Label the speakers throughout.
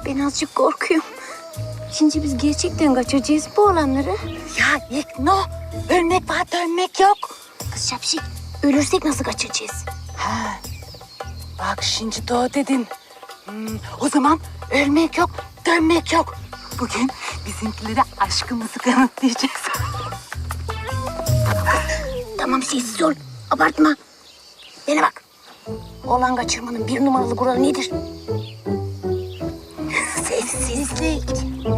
Speaker 1: Ben azıcık korkuyorum. Şimdi biz gerçekten kaçıracağız bu olanları.
Speaker 2: Ya İkno, ölmek var dönmek yok.
Speaker 1: Kız şapşik, ölürsek nasıl kaçıracağız?
Speaker 2: Bak şimdi doğru dedin. O zaman ölmek yok, dönmek yok. Bugün bizimkilere aşkımızı kanıtlayacağız.
Speaker 1: Tamam sessiz ol, abartma. Bana bak. Oğlan kaçırmanın bir numaralı kuralı nedir? Sessizlik.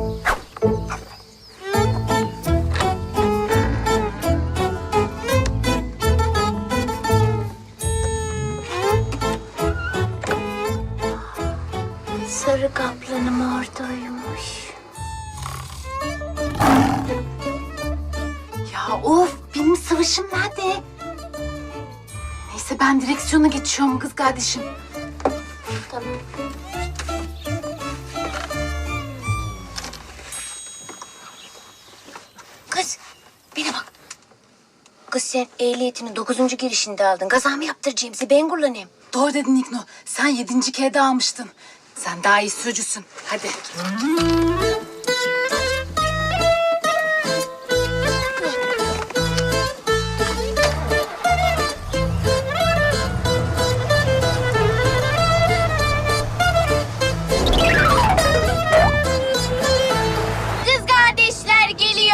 Speaker 1: Sarı kaplanım oradaymış.
Speaker 2: Ya of, benim sıvışım nerede? Neyse ben direksiyona geçiyorum kız kardeşim.
Speaker 1: Tamam. Kız, bana bak. Kız sen ehliyetini 9. girişinde aldın. Kaza mı yaptıracağım size? Ben kullanayım.
Speaker 2: Doğru dedin İkno. Sen 7. kere de almıştın. Sen daha iyi sürücüsün. Hadi.
Speaker 1: Kız kardeşler geliyor.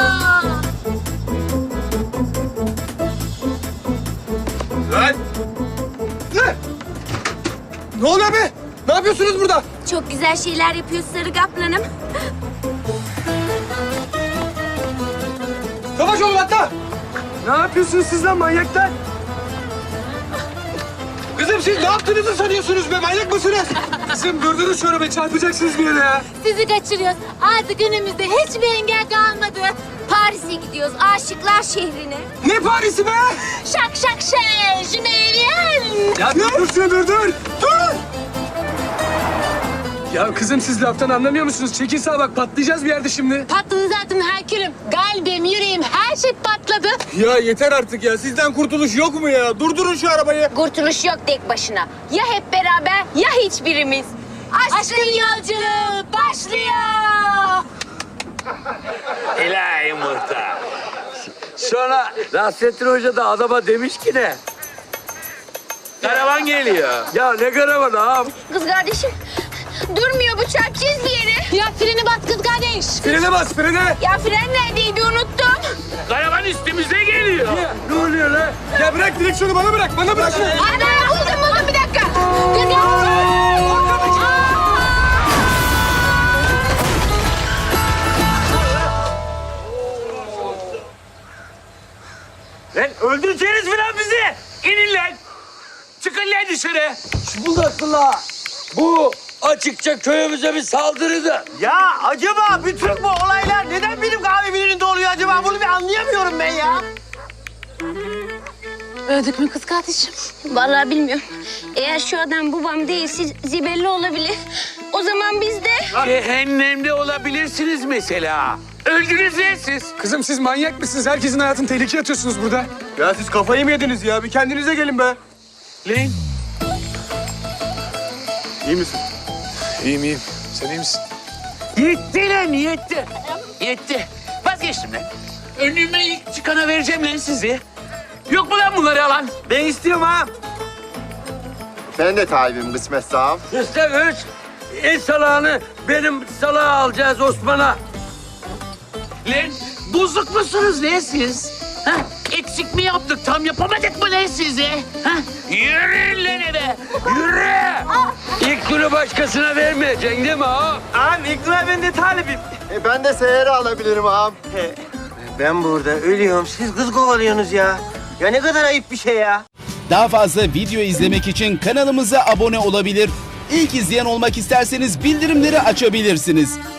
Speaker 3: Lan! Ne? Ne oluyor be? Ne yapıyorsunuz burada?
Speaker 1: Çok güzel şeyler yapıyorsun Sarı Kaplanım.
Speaker 3: Savaş olun hatta! Ne yapıyorsunuz siz lan manyaklar? Kızım siz ne yaptığınızı sanıyorsunuz be? Manyak mısınız? Kızım durdurun şu arabayı, çarpacaksınız bir yere ya.
Speaker 1: Sizi kaçırıyoruz. Artık önümüzde hiçbir engel kalmadı. Paris'e gidiyoruz. Aşıklar şehrine.
Speaker 3: Ne Paris'i be?
Speaker 1: Şak şak şak. Je me viens.
Speaker 3: Ya dur şunu dur! Dur! Ya kızım siz laftan anlamıyor musunuz? Çekin sağa bak, patlayacağız bir yerde şimdi.
Speaker 4: Patladı zaten Herkülüm. Kalbim, yüreğim, her şey patladı.
Speaker 3: Ya yeter artık ya. Sizden kurtuluş yok mu ya? Durdurun şu arabayı.
Speaker 1: Kurtuluş yok tek başına. Ya hep beraber ya hiçbirimiz. Aşkın yolculuğu başlıyor.
Speaker 5: İlahi muhtar. Sonra Nasrettin Hoca da adama demiş ki ne? Karavan geliyor. Ya ne karavanı ağam?
Speaker 1: Kız kardeşim durmuyor bu çarpacağız bir yere.
Speaker 4: Ya freni bas kız kardeş.
Speaker 3: Frene bas, frene.
Speaker 1: Ya fren neredeydi unuttum.
Speaker 5: Karavan üstümüze geliyor. Ne oluyor lan?
Speaker 3: Ya bırak direksiyonu bana bırak, bana bırak.
Speaker 1: Ana buldum bir dakika. Kız
Speaker 5: Lan öldüreceğiniz falan bizi. İnin lan. Çıkın lan dışarı. Şubuldaklılar. Bu açıkça köyümüze bir saldırıdı.
Speaker 6: Ya acaba bütün bu olaylar neden benim kahvemin önünde oluyor acaba? Bunu bir anlayamıyorum ben ya.
Speaker 4: Öldük mü kız kardeşim?
Speaker 1: Vallahi bilmiyorum. Eğer şu adam babam değilse Zibelli olabilir. O zaman biz de...
Speaker 5: Cehennemde olabilirsiniz mesela. Öldünüz lan siz.
Speaker 3: Kızım siz manyak mısınız? Herkesin hayatını tehlikeye atıyorsunuz burada. Ya siz kafayı mı yediniz ya? Bir kendinize gelin be.
Speaker 5: Lan
Speaker 3: İyi misin? İyiyim, iyiyim. Sen iyi misin?
Speaker 5: yetti lan yetti. Yetti. Vazgeçtim lan. Önüme ilk çıkana vereceğim lan sizi. Yok mu lan bunları alan?
Speaker 6: Ben istiyorum ha.
Speaker 7: Ben de talibim kısmet sağ ol.
Speaker 5: Üstelik en salağını benim salağa alacağız Osman'a. Lan bozuk musunuz lan siz? Ha? Eksik mi yaptık, tam yapamadık mı lan sizi? Ha? Yürüyün lan eve, yürü! İlk günü başkasına vermeyeceksin değil mi ha?
Speaker 6: Ağam İknur ben de talibim.
Speaker 7: Ben de seyre alabilirim ağam.
Speaker 6: Ben burada ölüyorum. Siz kız kovalıyorsunuz ya. Ya ne kadar ayıp bir şey ya.
Speaker 8: Daha fazla video izlemek için kanalımıza abone olabilir. İlk izleyen olmak isterseniz bildirimleri açabilirsiniz.